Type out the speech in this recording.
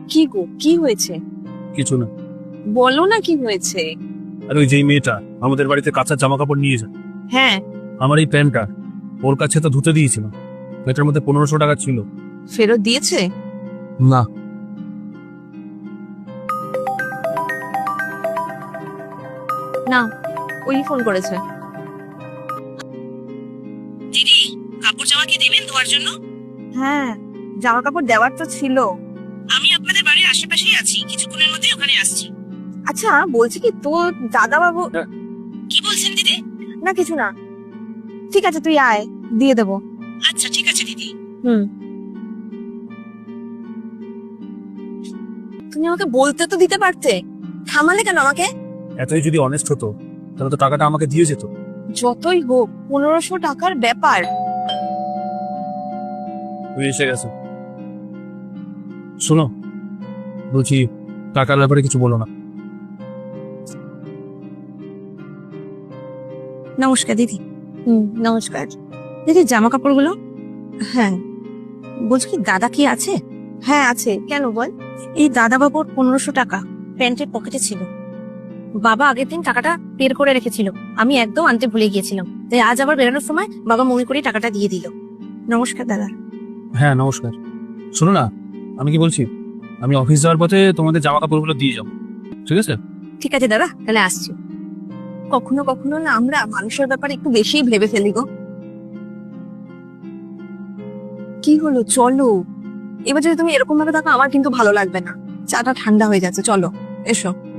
কি গো, কি হয়েছে? কিছু না। বলো না কি হয়েছে। আর ওই যেই মেয়েটা আমাদের বাড়িতে কাঁচা জামা কাপড় নিয়ে যায়, হ্যাঁ, আমার এই প্যান্টটা ওর কাছে তো ধুতে দিয়েছিলাম, এটার মধ্যে 1500 টাকা ছিল। ফেরত দিয়েছে? না। না, ওই ফোন করেছে। দিদি, কাপড় জামা কি দেবেন ধোয়ার জন্য? হ্যাঁ, জামা কাপড় দেওয়ার তো ছিল। আমি আপনাদের বাড়ির আশেপাশেই আছি, কিছুক্ষণের মধ্যে ওখানে আসছি। আচ্ছা, বলছি কি তোর দাদা বাবু। হ্যাঁ। কি বলছেন দিদি? না কিছু না। ঠিক আছে, তুই আয়, দিয়ে দেবো। আচ্ছা ঠিক আছে দিদি। তুমি আমাকে বলতে তো দিতে পারতে, থামালে কেন আমাকে? এতই যদি অনেস্ট হতো তাহলে তো টাকাটা আমাকে দিয়ে যেত। যতই হোক 1500 টাকার ব্যাপার। তুই এসে গেছে। শোনো, বলছি টাকার ব্যাপারে কিছু বলো না। নমস্কার দিদি। নমস্কার দিদি। জামা কাপড়গুলো? হ্যাঁ। বলছি কি দাদা কি আছে? হ্যাঁ আছে, কেন বল? এই দাদা বাবুর 1500 টাকা প্যান্টের পকেটে ছিল। বাবা আগের দিন টাকাটা বের করে রেখেছিল, আমি একদম আনতে ভুলে গিয়েছিলাম, তাই আজ আবার বেরোনোর সময় বাবা মনে করে টাকাটা দিয়ে দিল। নমস্কার দাদা। হ্যাঁ নমস্কার। শোনো না, আমি কি বলছি, আমি অফিস যাওয়ার পথে তোমাদের জামা কাপড়গুলো দিয়ে যাবো, ঠিক আছে? ঠিক আছে দাদা, তাহলে আসছি। কখনো কখনো না আমরা মানুষের ব্যাপারে একটু বেশিই ভেবে ফেলি গো। কি হলো, চলো। এবার যদি তুমি এরকম ভাবে থাকো আমার কিন্তু ভালো লাগবে না। চাটা ঠান্ডা হয়ে যাচ্ছে, চলো এসো।